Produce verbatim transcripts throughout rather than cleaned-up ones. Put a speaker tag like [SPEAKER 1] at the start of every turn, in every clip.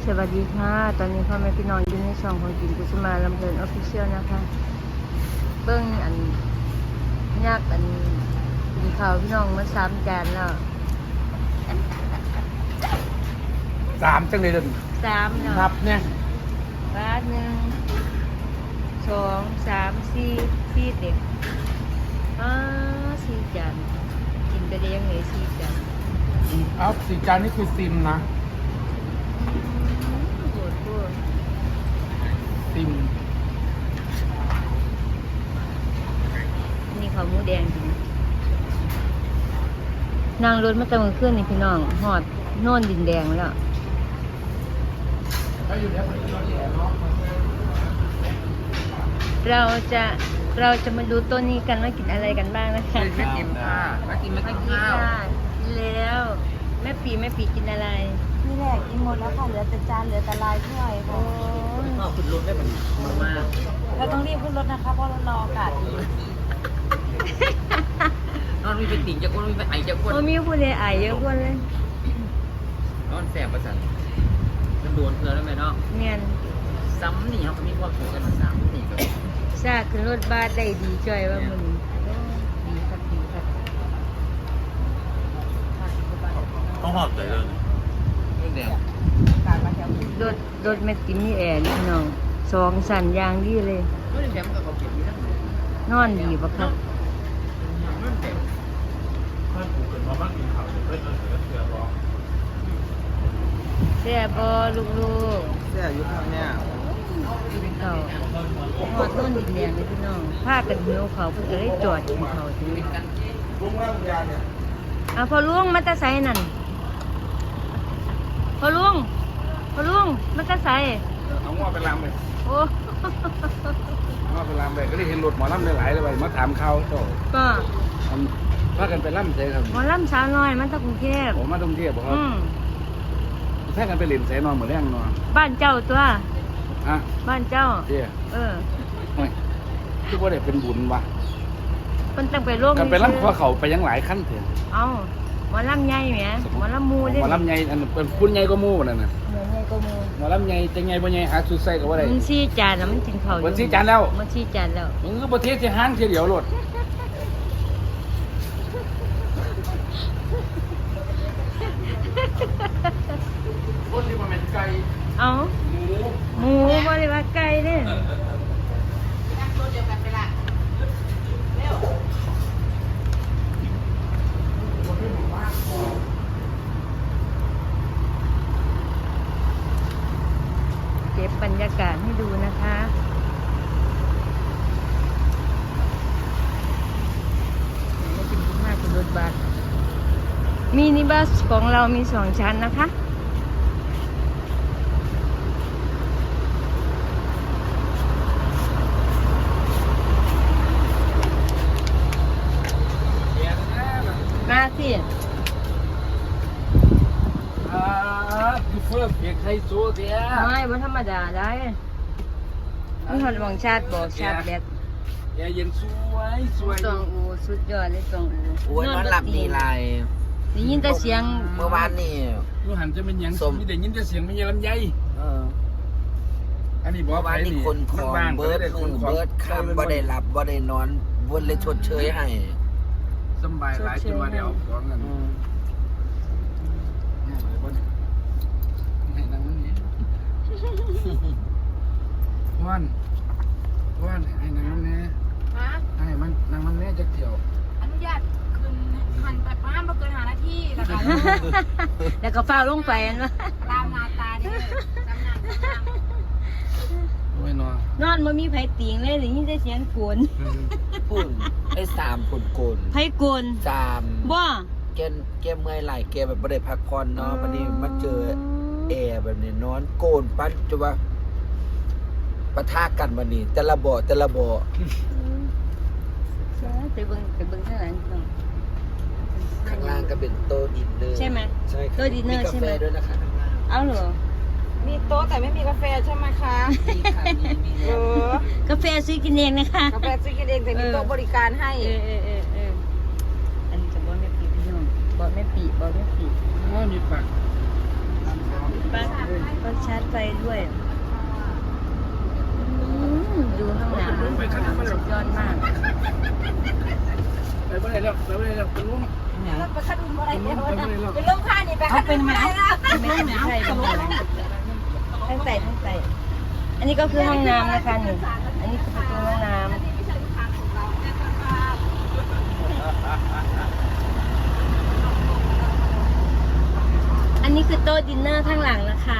[SPEAKER 1] สวัสดีค่ะตอนนี้พ่อแม่พี่น้องอยู่ในช่องของกินกุศมาลำเพลินออฟฟิเชียลนะคะเบิ้งอันยากอันกินข้าวพี่น้องมาสามจานแล้ว
[SPEAKER 2] สามจังเลยเดิน
[SPEAKER 1] สามเนาะ
[SPEAKER 2] นับเนี่ย
[SPEAKER 1] บาทหนึ่งสองสามสี่สี่เด็กอ่าสี่จานกินไปได้ยังไงสี่จาน
[SPEAKER 2] เอาสี่จานนี่คือซิมนะ
[SPEAKER 1] โหดโหด
[SPEAKER 2] ซิม
[SPEAKER 1] นี่เขาหมูแดงจริงนั่งรถมาตั้งแต่คืนนี่พี่น้องหอดโน่นดินแดงแล้วเราจะเราจะมาดูต้นนี้กันว่ากินอะไรกันบ้างนะคะ
[SPEAKER 2] ไม่กินค่ะไม่กินไม่กินข้าว
[SPEAKER 1] กินแล้วแม่ปีแม่ปีกินอะไร
[SPEAKER 3] นี่แหละกินหมดแล้วค่ะเหลือแต่จานเหลือแต่ลายถ้วยค่ะ
[SPEAKER 2] ข้าวขึ้นรถได้เหมือนมาก
[SPEAKER 3] เราต้องรีบขึ้นรถนะคะเพราะเรารออากาศดี
[SPEAKER 4] นอนมีเป็นติ่งจะก้นมีเป็นไอจะก้น
[SPEAKER 1] โอ้มีผู้ใดไอเยอะกว่าเลย
[SPEAKER 4] นอนแสบประสาทมันโดนเธอแล้วไหมเนาะ
[SPEAKER 1] เมียน
[SPEAKER 4] ซ้ำนี่เขาก็มีความสุขกันมาซ้ำนี่ก็
[SPEAKER 1] ซาขึ้นรถบ้านได้ดีจ่อยว่ามันดีครับดีครับ
[SPEAKER 5] ต้องหอบใจเลย
[SPEAKER 4] เรื่องแดง
[SPEAKER 1] รถรถแม่ติมนี่แอร์นี่พี่น้องสองสันยางดีเลย
[SPEAKER 4] เรื่องแดงมันก็เขาเก็บอยู่ทั้งหมด
[SPEAKER 1] นอนดีปะครับ
[SPEAKER 4] เรื่องแดง
[SPEAKER 5] ถ้าถูกเกิดมาบ้านกินข่าวจะได้เกิดเสือร้อง
[SPEAKER 1] แซ่บบอลูก
[SPEAKER 4] เสื้ออยู่ข้างเนี่ย
[SPEAKER 1] ๆกินข้าวหอดต้นดินแดงเลยพี่น้องพากันหิวเขาวเพื่อจะได้จอดกินข้าวทีนี้อ่ะพอลุงมาตะไซนั่นพอลุงพอลุงมาตะไซ
[SPEAKER 2] เอาง้อไปลำไป
[SPEAKER 1] โอ้
[SPEAKER 2] ง้อไปลำไปก็ได้เห็นรถหมอลำหลายๆเลยไปมาถามเขาโต
[SPEAKER 1] ก็
[SPEAKER 2] พากันไปลำเสครับ
[SPEAKER 1] หมอลำสาวน้อยมันตะกรุงเทพ
[SPEAKER 2] ผมมาตรงเทียบบอกครับ
[SPEAKER 1] อืม
[SPEAKER 2] แท้กันไปเล่นเสนอนเหมือนแรงนอน
[SPEAKER 1] บ้านเจ้าตัว
[SPEAKER 2] อ่ะ
[SPEAKER 1] บ้านเจ้า
[SPEAKER 2] เที่ย
[SPEAKER 1] เออ
[SPEAKER 2] คือว่าได้เป็นบุญวะ
[SPEAKER 1] มันต้องไปร่วม
[SPEAKER 2] กันไปลำข้อเขาไปยังหลายขั้นเถอะ
[SPEAKER 1] เอาหมอลำใหญ่แหมหมอลำมู
[SPEAKER 2] ห
[SPEAKER 1] ได้
[SPEAKER 2] มอลำใหญ่อันเป็นคุณใหญ่ก็มู่นั่นน่ะ
[SPEAKER 1] เหมือนใหญ่ก็มู
[SPEAKER 2] หมอลำใหญ่จะใหญ่บ่ใหญ่หาสุดใส่ก็ว่าได้
[SPEAKER 1] มันชี้จานแล้วมันกินข้าวอยู่
[SPEAKER 2] มันชี้จานแล้ว
[SPEAKER 1] มันชี้จานแล้ว
[SPEAKER 2] มึงก็ประเทศที่ห้างเที่ยวเดียวรถคนที่มาเป็นไก่
[SPEAKER 1] เอา
[SPEAKER 2] หมู
[SPEAKER 1] หมูบ่ได้ว่าไก่เด้อเก็บบรรยากาศให้ดูนะคะไม่กินทุกห้าเป็นรถบัสมินิบัสของเรามีสองชั้นนะคะมาสิ
[SPEAKER 2] อ่าคือเฟิร์สเพียงไทยโซ่เดีย
[SPEAKER 1] ไม่บ่ธรรมดาได้มีหอดหวังชาติบอกชาติแบด
[SPEAKER 2] แอร์เย็นสวยสวย
[SPEAKER 1] ตองอูสุดยอดเลยตองอู
[SPEAKER 4] โอ้ยนอนหลับดีไร
[SPEAKER 1] ได้ยินแต่เสียง
[SPEAKER 4] เมื่อวานนี่
[SPEAKER 2] ยูหันจะเป็นหยัง
[SPEAKER 4] สม
[SPEAKER 2] มีแต่ยินแต่เสียงไม่ใช่ลำไย
[SPEAKER 4] เออ
[SPEAKER 2] อันนี้บอก
[SPEAKER 4] เมื่อวานนี่คนของเบิร์ดมือเบิร์ดคำบ่ได้หลับบ่ได้นอนบนเลยชดเชยให้
[SPEAKER 2] สบายหลายจนว่าเดี๋ยวฟ้องกันให้นั่งมันนี้วันวันให้นั่งมันนี้
[SPEAKER 3] ฮะ
[SPEAKER 2] ให้มันนั่งมันแม่จะเกี่ยว
[SPEAKER 3] อนุญาตคืนหันไปประมาณบ่เกินหานาทีแล้วก็
[SPEAKER 1] แล้วก็ฟ้าวลงไปอันว่า
[SPEAKER 3] ตามหน้าตาเด้อตามหน้าตา
[SPEAKER 2] โอ้ยนอน
[SPEAKER 1] นอนบ่มีไผติงเลยได้ยินแต่เสียงโกน
[SPEAKER 4] พุ่นไอ้สามคนโกน
[SPEAKER 1] ไผโกน
[SPEAKER 4] สาม
[SPEAKER 1] บ่
[SPEAKER 4] แกแกเมื่อยไหลแกแบบบ่ได้พักผ่อนเนาะวันนี้มาเจอแอร์แบบนี้นอนโกนปั้นจะว่าปะทะกันวันนี้แต่ละบ่อแต่ละบ่อ
[SPEAKER 1] ไปเบิ่งไปเบิ่งข้างหลังก่อน
[SPEAKER 4] ข้างล่างก็เป็นโต๊ะดินเนอร์
[SPEAKER 1] ใช่ไหม
[SPEAKER 4] ใช่ครับ
[SPEAKER 1] โต๊ะดินเนอร์ใช่ไหม
[SPEAKER 4] กาแฟด้วยนะคะข้างล่าง
[SPEAKER 1] เอาเหรอ
[SPEAKER 3] มีโต๊ะแต่ไม่มีกาแฟใช่ไหมคะ
[SPEAKER 4] มีค่ะมีมี
[SPEAKER 3] เออก
[SPEAKER 1] าแฟซื้อกินเองนะคะ
[SPEAKER 3] กาแฟซื้อกินเองแต่มีโต๊ะบริการให้
[SPEAKER 1] เออเออเออเอออันนี้จะบอกแม่ปีพี่น้องบอกแม่ปีบอกแม่ปี
[SPEAKER 2] ว่ามีปาก
[SPEAKER 1] ปลั๊กก็ชาร์จไฟด้วยอืมดูข้างหลังสุดยอดมาก
[SPEAKER 2] ไปไม่ได้แล้วไปไม่ได้แล้วเป็นลุ่ม
[SPEAKER 3] แล้วไปขดุมอะไร
[SPEAKER 2] เป็น
[SPEAKER 3] เนี่
[SPEAKER 2] ลุ่
[SPEAKER 3] ย
[SPEAKER 2] มไปไม่ได้แล้ว
[SPEAKER 3] เป็นลมค่านี่ไปเขาเป็นไหม
[SPEAKER 1] ไม่ไม่ใช่ตรงนั้นทั้งใส่ทั้งใส่อันนี้ก็คือห้องน้ำนะคะนี่อันนี้คือประตูห้องน้ำอันนี้คือโต๊ะดินเนอร์ข้างหลังนะคะ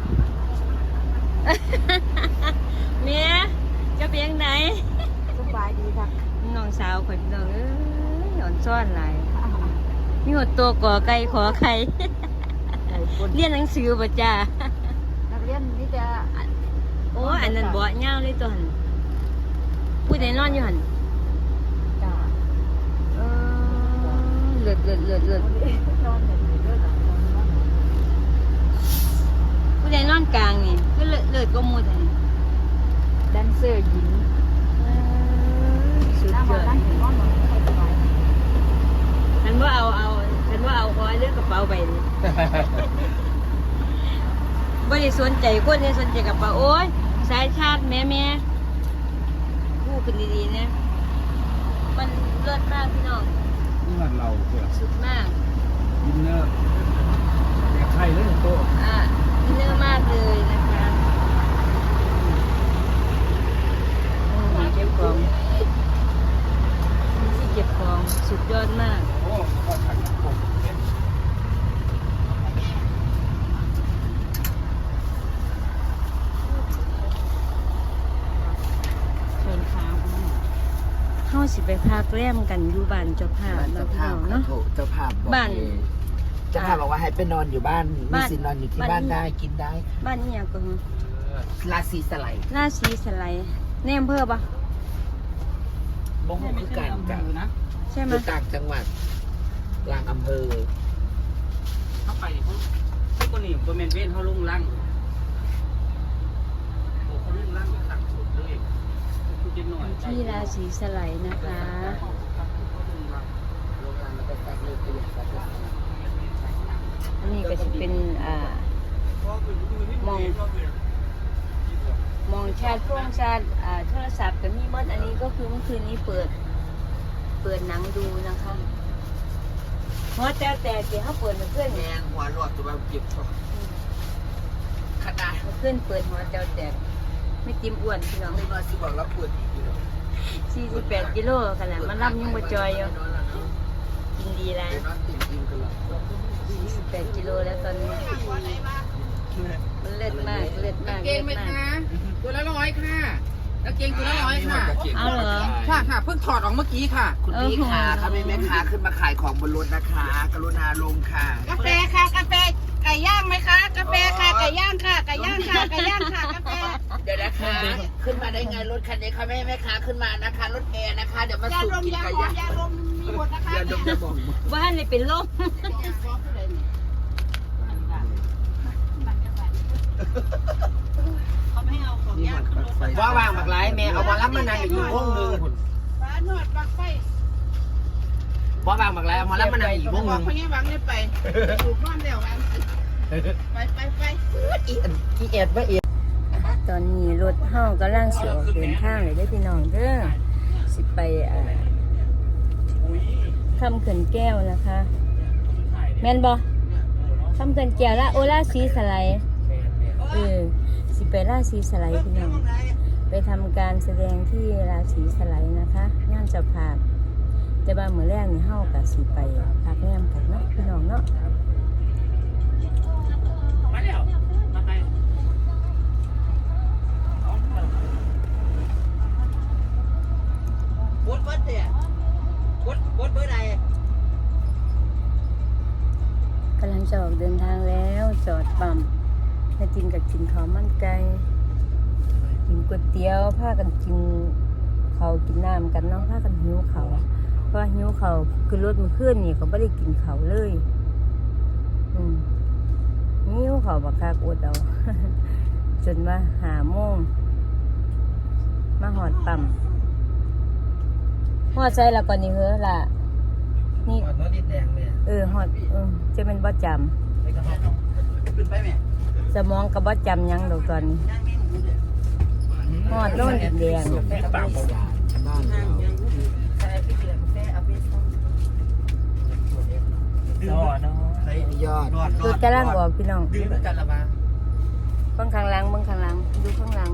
[SPEAKER 1] เมียจะเป็นยังไง
[SPEAKER 3] สบายดีค่ะ
[SPEAKER 1] น้องสาวคนน้องเอ้ยหย่อนซ่อนหลายมีหดตัวก่อไก่ขอไข่ เรียนหนังสือป่ะจ้า
[SPEAKER 3] นักเรียนนี่จะ
[SPEAKER 1] โอ้อันนั้นบ่เงาเลยตัวหันผู้ใดนอนอยู่หัน
[SPEAKER 3] จ้า
[SPEAKER 1] เออเลือดเลือดเลือดเลือด
[SPEAKER 3] นอนแบบนี้ด้วยหรอ
[SPEAKER 1] ผู้ใดนอนกลางนี่ก็เลือดเลือดก็มูดอันนี้
[SPEAKER 3] แดนเซอร์หญิง
[SPEAKER 1] เออสุด
[SPEAKER 3] หน้าย บ้า
[SPEAKER 1] อน ด
[SPEAKER 3] นั่งนอนนอนให้สบาย
[SPEAKER 1] ฉันว่าเอาเอาฉันว่าเอาคอยเลือกกระเป๋าไปนี่ ไม่ได้สนใจคนนี้สนใจกระเป๋าโอ้ยสายชาติแม่แม่พูดกันดีๆนะมันเลิศมากพี่น้อง
[SPEAKER 2] นี่มันเราเพื่อ
[SPEAKER 1] สุดมาก
[SPEAKER 2] ดินเนอร์อยากไข่เลยโต๊ะ
[SPEAKER 1] อ่ะดินเนอร์มากเลยนะคะอืมเก็บของมีที่เก็บของสุดยอดมาก
[SPEAKER 2] โอ้ก็ถังผม
[SPEAKER 1] เชิญค้างเข้าสิไปพักแรมกันอยู่บ้านเจ้าภาพ
[SPEAKER 4] เจ้า
[SPEAKER 1] เนาะพี่
[SPEAKER 4] ภา
[SPEAKER 1] น้
[SPEAKER 4] พ
[SPEAKER 1] องเนาะ
[SPEAKER 4] เจ้าภาพบอก
[SPEAKER 1] บ้าน
[SPEAKER 4] เองเจ้าภาพบอกว่าให้ไปนอนอยู่บ้านมี
[SPEAKER 1] บ้าน
[SPEAKER 4] สิทธิ์นอนอยู่ที่
[SPEAKER 1] บ้าน
[SPEAKER 4] บ้านได้กินได้
[SPEAKER 1] บ้านนี่ยังก็คือ
[SPEAKER 4] ราศีสไลด์
[SPEAKER 1] ราศีสไลด์แนมเพื่อปะ
[SPEAKER 4] บ่งคือการจัง
[SPEAKER 1] ใช่ไหม
[SPEAKER 4] คือต่างจังหวัดกลางอำเภอ
[SPEAKER 6] เข้าไปเขาเขาคนนี้ตัวเมนเวนเขาลุ่งล่างโอ้เขาลุ่งล่างต่างสุดเลยคือเจ็บหน่อย
[SPEAKER 1] ที่ราศีสไลด์นะคะ
[SPEAKER 4] โรงงานแล้วก็ตัดเลยประหยัดตัดเลย
[SPEAKER 1] อันนี้ก็จะเป็นอ่ามองมองชาติพ่วงชาติอ่าโทรศัพท์กับมีมดอันนี้ก็คือเมื่อคืนนี้เปิด เปิดหนังดูนะคะเพราะแต่แต่เดี๋ยวเขาเปิดมาเพื่อน
[SPEAKER 4] แม
[SPEAKER 1] เนี่ย
[SPEAKER 4] งหัวหลอดตัวแบบเก็บของขนาด
[SPEAKER 1] เพื่อนเปิดหัวเจ้าแตกไม่จิ้มอ้วนพี่น้อง
[SPEAKER 4] ไม่มาสิบอกรับปวดอีกอยู่
[SPEAKER 1] สี่สิบแปดกิโลขนาดมันรับยังมาจอยอยู่กินดีแล้ว
[SPEAKER 4] นอนติ่มติ่มกันหรอ
[SPEAKER 1] สี่สิบแปดกิโลแล้วตอนนี้มันเลิศมากเลิศมาก
[SPEAKER 6] เก
[SPEAKER 1] เลิ
[SPEAKER 6] ง
[SPEAKER 1] ศ
[SPEAKER 6] ไหม
[SPEAKER 1] มาก
[SPEAKER 6] คะตัวละร้อยค่ะแล้วเกงตัวละร้อยค่ะ
[SPEAKER 1] เอาเหรอ
[SPEAKER 6] ค่ะค่ะเพิ่งถอดออกเมื่อกี้ค่ะ
[SPEAKER 4] คุณพี่ขาค่ะแม่แม่ค้าขึ้นมาขายของบนรถนะคะ กรุณาลงค่ะ
[SPEAKER 3] กาแฟค่ะกาแฟไก่ย่างไหมคะกาแฟค่ะไก่ย่างค่ะไก่ย่างค่ะไก่ย่างค่ะกาแฟ
[SPEAKER 4] เดี๋ยวนะคะ ขึ้นมาได้ไงรถคันนี้ค่ะแม่แม่ค้าขึ้นมานะคะ รถแอร์นะคะ เดี๋ยวมา
[SPEAKER 3] ยา
[SPEAKER 4] สูบ
[SPEAKER 3] ดม
[SPEAKER 4] กิน
[SPEAKER 3] ยา
[SPEAKER 4] ไก่
[SPEAKER 3] หอม
[SPEAKER 4] ย่าง
[SPEAKER 3] ยาดมมีหมดนะคะ
[SPEAKER 4] อย่าดมอย่าบอก
[SPEAKER 1] บ้านเลยเป็นลม
[SPEAKER 6] ว่าวางบักไลแม่เอาบอลลับมานานอีกวงหนึ่ง
[SPEAKER 3] ฟ้าหนวดบักไฟ
[SPEAKER 6] ว่าวางบักไลเอามาลับมานานอีกวงห
[SPEAKER 3] บอก
[SPEAKER 6] นึ่ง
[SPEAKER 3] พญาวังเลยไปถูกนอนเร็วกันไปไปไป
[SPEAKER 4] อีอันอีแอดว่าเอ
[SPEAKER 1] ตอนนี้รถเฮากำลังเสียออกเดินทางเลยได้อพี่น้องเด้อสิไปอ่าคำเขื่อนแก้วนะคะ แม่นบ่คำเขื่อนแก้วละโอลาสีสไลด์เออสิไปราศีสไลด์พี่น้อง ไปทำการแสดงที่ราศีสไลด์นะคะงานเจ้าภาพแต่ว่าเมื่อแรกนี่เฮากับสิไปพักแรมกันเนาะพี่น้องเนาะ
[SPEAKER 6] มาแล้วมาไป
[SPEAKER 4] วดวัดเนี่ยวดวดเบอร์ใด
[SPEAKER 1] กำลังจะออกเดินทางแล้วจอดปั๊มแม่จินกับกินข้าวมันไก่กินก๋วยเตี๋ยวพากันกินข้าวกินน้ำกันเนาะพากันหิวข้าวเพราะว่าหิวข้าวคือรถมันขึ้นนี่เขาไม่ได้กินข้าวเลยอืมหิวข้าวบักคักอดเอา จนว่าหาโมงมาหอดปั๊มหอดใจแล้วก่อนนี่เหรอล่ะนี่
[SPEAKER 4] หอดน้องดินแดงเนี่ย
[SPEAKER 1] เออหอดเออจะเป็นบ่จำ
[SPEAKER 4] ไปกระเพาะขึ้นไปแม่
[SPEAKER 1] สมองก็บ่จำหยังดอกตอนนี้ฮอดโน่นดินแดง
[SPEAKER 4] บ้านเรา
[SPEAKER 5] ยอดเนาะ
[SPEAKER 4] ยอด
[SPEAKER 1] รถกำลังออกพี่น้อง
[SPEAKER 6] ดื่มด้วยกันละบ้า
[SPEAKER 1] เบิ่งข้างหลังเบิ่งข้างหลังดูข้างหลัง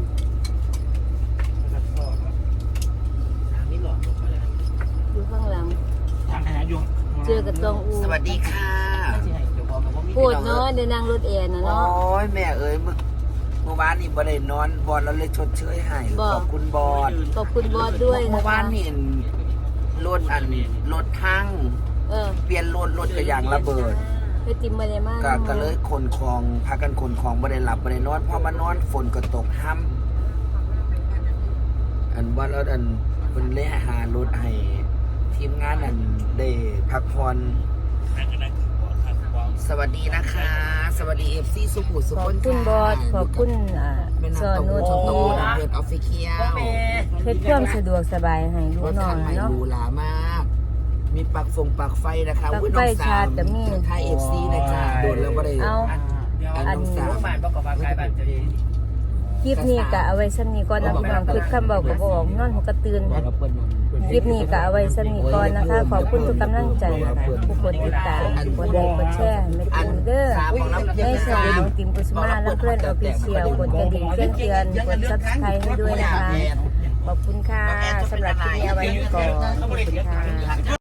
[SPEAKER 6] นี่หลอดลงมาแล้ว
[SPEAKER 1] ดูข้างหลัง
[SPEAKER 5] ทางขยะยง
[SPEAKER 1] เจอกับตองอู
[SPEAKER 4] สวัสดีค่ะ
[SPEAKER 6] ที่ให้เดี๋ยวบอกกับว่ามี
[SPEAKER 1] พูดเนาะเดี๋ยวนั่งรถแอร์นะ
[SPEAKER 4] โอ้
[SPEAKER 1] เนาะ
[SPEAKER 4] ยแม่เอ้ยเมื่อเมื่อวานนี่บ่ได้นอนบอลเราเลยชดเชยให้
[SPEAKER 1] บ่
[SPEAKER 4] ขอบคุณบอล
[SPEAKER 1] ขอบคุณบอสด้วย
[SPEAKER 4] เมื่
[SPEAKER 1] นะ
[SPEAKER 4] อวา
[SPEAKER 1] คะ
[SPEAKER 4] นนี่รถอันรถทั้ง
[SPEAKER 1] เออ
[SPEAKER 4] เปลี่ยนรถรถกระยางระเบิด
[SPEAKER 1] ไปติมมาเลยมาก
[SPEAKER 4] ก็ก็เลยขนของพากันขนของบ่ได้หลับบ่ได้นอนพอมานอนฝนก็ตกห้ำอันว่าแล้วอันเพิ่นเลยหารถให้ทีมงานอันได้พักผ่อน
[SPEAKER 5] นั่งกันนั่งบอดครับบอด
[SPEAKER 4] สวัสดีนะคะ สวัสดี เอฟ ซี สุขุมสุ
[SPEAKER 1] ข
[SPEAKER 4] ข
[SPEAKER 1] อบ
[SPEAKER 4] น
[SPEAKER 1] คุณบอสขอบคุณอ่า
[SPEAKER 4] เป็น
[SPEAKER 1] ซ
[SPEAKER 4] นาง
[SPEAKER 1] อ
[SPEAKER 4] ตะ
[SPEAKER 1] โน
[SPEAKER 4] โกน
[SPEAKER 1] ที
[SPEAKER 4] ตะโกนเพื่อนออฟฟิเชียล
[SPEAKER 1] เฮ็ดความสะดวกสบายให้ลู
[SPEAKER 4] ร
[SPEAKER 1] ก
[SPEAKER 4] ถ
[SPEAKER 1] น้อ
[SPEAKER 4] คั
[SPEAKER 1] ง
[SPEAKER 4] นใหม่
[SPEAKER 1] เนาะ
[SPEAKER 4] หรูหรามาก มีปลักฟงปลักไฟนะคะ
[SPEAKER 1] ปลั๊ก
[SPEAKER 4] อุ๊ย
[SPEAKER 1] ไฟ
[SPEAKER 4] น้องสา
[SPEAKER 1] ชาร์
[SPEAKER 4] ม
[SPEAKER 1] จก็มี
[SPEAKER 4] ไทย เอฟ ซี นะจ้าโดนแล้วบ่ได้
[SPEAKER 1] เอา
[SPEAKER 6] เดี๋ยว
[SPEAKER 4] อัน
[SPEAKER 1] อัน
[SPEAKER 4] น้องสาม
[SPEAKER 6] โรงพยาบาลบอกกับว่าใครบ้านจะดี
[SPEAKER 1] คลิปนี้ก็เอาไว้ซ้ำนี้ก่อนนะพี่น้องคลิปคำเบาก็บออกนอนหัวกระตื่นคลิปนี้ก็เอาไว้ซ้ำนี้ก่อนนะคะ ขอบคุณทุกกำลังใจผู้กดติดตามกดไลค์กดแชร์ไม่ติมเด้อในช่องของติมกุสมาและเพื่อนออฟฟิเชียลกดกระดิ่งแจ้งเตือนกดซับสไครต์ให้ด้วยนะคะ ขอบคุณค่ะสำหรับคลิปนี้เอาไว้ก่อนขอบคุณค่ะ